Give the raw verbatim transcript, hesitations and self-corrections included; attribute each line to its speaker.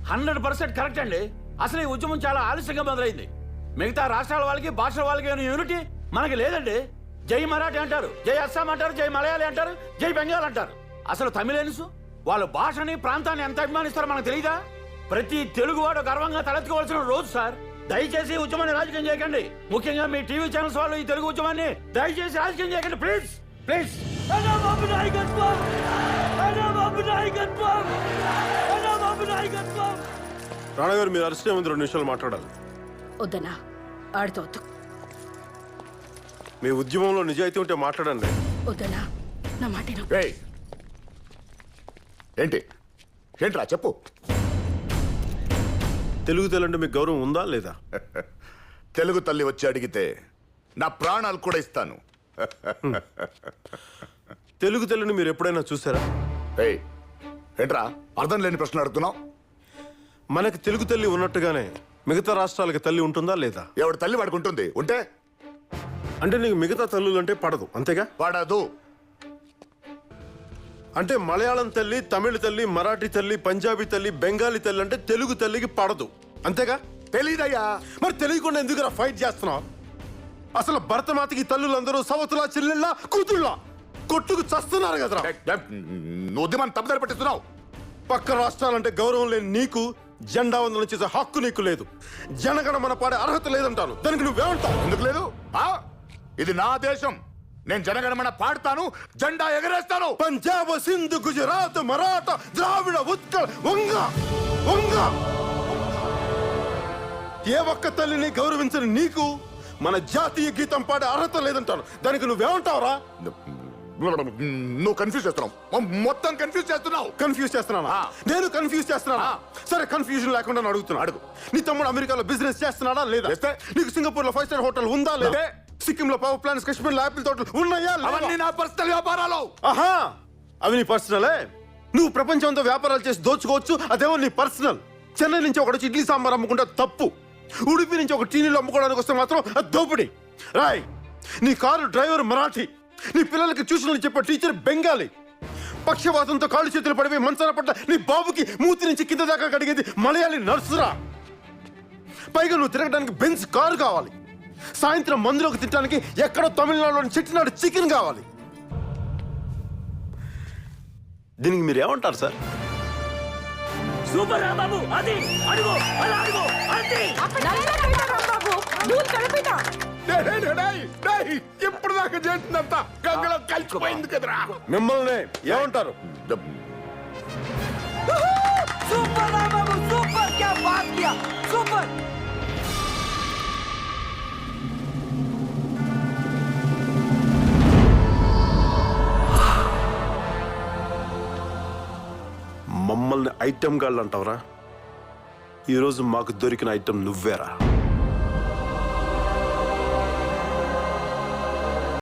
Speaker 1: Hundred percent correct అండి. అసలు ఈ ఉద్యమం చాలా ఆలస్యంగా మొదలైంది. మిగతా రాష్ట్రాల వాళ్ళకి భాషల వాళ్ళకి అనే యూనిటీ మనకి లేదండి. జై మరాఠీ అంటారు, జై అస్సాం అంటారు, జై మలయాళీ అంటారు, జై బెంగాల్ అంటారు. అసలు తమిళన్స్ వాళ్ళ భాషని ప్రాంతాన్ని ఎంత అభిమానిస్తారో మనకు తెలియదా? ప్రతి తెలుగువాడు గర్వంగా తలెత్తుకోవాల్సిన రోజు సార్. దయచేసి ఈ ఉద్యమాన్ని రాజకీయం చేయకండి. ముఖ్యంగా మీ టీవీ ఛానల్స్ వాళ్ళు ఈ తెలుగు ఉద్యమాన్ని దయచేసి రాజకీయం చేయకండి ప్లీజ్ ప్లీజ్.
Speaker 2: రాణా గారు మీరు అరెస్ట్ ముందు రెండు నిమిషాలు మాట్లాడాలి.
Speaker 3: వద్దనా ఆడితో వద్దు.
Speaker 2: మీ ఉద్యమంలో నిజాయితీ ఉంటే మాట్లాడండి.
Speaker 3: వద్దనా నా మాట విను.
Speaker 4: ఏయ్, ఏంటి ఏంట్రా చెప్పు.
Speaker 2: తెలుగు తెలంటే మీకు గౌరవం ఉందా లేదా?
Speaker 4: తెలుగు తల్లి వచ్చి అడిగితే నా ప్రాణాలు కూడా ఇస్తాను.
Speaker 2: తెలుగు తెల్లని మీరు ఎప్పుడైనా చూసారా?
Speaker 4: ఏయ్, ఏంట్రా అర్థం లేని ప్రశ్న అడుగుతున్నావు?
Speaker 2: మనకి తెలుగు తల్లి ఉన్నట్టుగానే మిగతా రాష్ట్రాలకి తల్లి ఉంటుందా లేదా?
Speaker 4: ఎవడు తల్లి వాడుకుంటుంది ఉంటే
Speaker 2: అంటే నీకు మిగతా తల్లులు అంటే పడదు అంతేగా?
Speaker 4: వాడదు.
Speaker 2: అంటే మలయాళం తల్లి, తమిళ తల్లి, మరాఠీ తల్లి, పంజాబీ తల్లి, బెంగాలీ తల్లి అంటే తెలుగు తల్లికి పడదు అంతేగా?
Speaker 4: తెలీదయ్యా.
Speaker 2: మరి తెలియకుండా ఎందుకు ఫైట్ చేస్తున్నావు? అసలు భరతమాతకి తల్లులందరూ సవతులా, చెల్లెళ్ళ, కూతుళ్ళ కొట్టుకు చస్తున్నారు కదరా.
Speaker 4: నువ్వు ఉద్యమాన్ని తప్పుదారి పట్టిస్తున్నావు.
Speaker 2: పక్క రాష్ట్రాలంటే గౌరవం లేని నీకు జెండా వందనం చేసే హక్కు నీకు లేదు. జనగణమన పాడే అర్హత లేదంటాను. దానికి నువ్వేమంటావు?
Speaker 4: ఎందుకు లేదు? ఆ ఇది నా దేశం. నేను జనగణమన పాడతాను, జెండా ఎగరేస్తాను.
Speaker 2: పంజాబ్, సింధు, గుజరాత్, మరాఠా, ద్రావిడ, ఉత్కల్, వంగ వంగ ఏ ఒక్క తల్లిని గౌరవించని నీకు మన జాతీయ గీతం పాడే అర్హత లేదంటాను. దానికి నువ్వేమంటావురా?
Speaker 4: నువ్వు కన్ఫ్యూజ్ చేస్తున్నావు. మొత్తం కన్ఫ్యూజ్ చేస్తున్నావు.
Speaker 2: కన్ఫ్యూజ్ చేస్తున్నానా? నేను కన్ఫ్యూజ్ చేస్తున్నానా? సరే కన్ఫ్యూజన్ లేకుండా అడుగుతున్నా. అడుగు. నీ తమ్ముడు అమెరికాలో బిజినెస్ చేస్తున్నాడా లేదా? నీకు సింగపూర్ లో ఫైవ్ స్టార్ హోటల్ ఉందా లేదా? సిక్కిం లో పవర్ ప్లాంట్స్, కాశ్మీర్ లో ఆపిల్ తోటలు ఉన్నాయా?
Speaker 4: అవన్నీ నా పర్సనల్ వ్యాపారాలు.
Speaker 2: ఆహా, అవి నీ పర్సనలే. నువ్వు ప్రపంచంతో వ్యాపారాలు చేసి దోచుకోవచ్చు, అదేమో నీ పర్సనల్. చెన్నై నుంచి ఒకటి ఇడ్లీ సాంబార్ అమ్ముకుంటే తప్పు. ఉడిపి నుంచి ఒక టీనీలు అమ్ముకోవడానికి వస్తే మాత్రం అది దోపిడి. రాయ్, నీ కారు డ్రైవర్ మరాఠీ, నీ పిల్లలకి ట్యూషన్లు చెప్పే టీచర్ బెంగాలీ, పక్షవాతంతో కాళ్ళు చేతులు పడిపోయి మంచాల పట్ల నీ బాబుకి మూతి నుంచి కింద దాకా కడిగేది మలయాళీ నర్సురా. పైగా నువ్వు తిరగడానికి బెంచ్ కారు కావాలి, సాయంత్రం మందులోకి తినడానికి ఎక్కడో తమిళనాడులోని చెట్టినాడు చికెన్ కావాలి. దీనికి మీరు ఏమంటారు సార్?
Speaker 1: సూపర్ రా బాబు, అది అడుగు అలా అడుగు అంతే.
Speaker 4: ఇప్పుడు దాకా చేసిందంతా గంగలో కలిసిపోయింది కదరా.
Speaker 2: మిమ్మల్ని ఏమంటారు?
Speaker 5: సూపర్ రా బాబు, సూపర్. క్యా బాత్ కియా, సూపర్.
Speaker 2: మమ్మల్ని ఐటెం గాళ్ళు అంటావరా? ఈరోజు మాకు దొరికిన ఐటెం నువ్వేరా.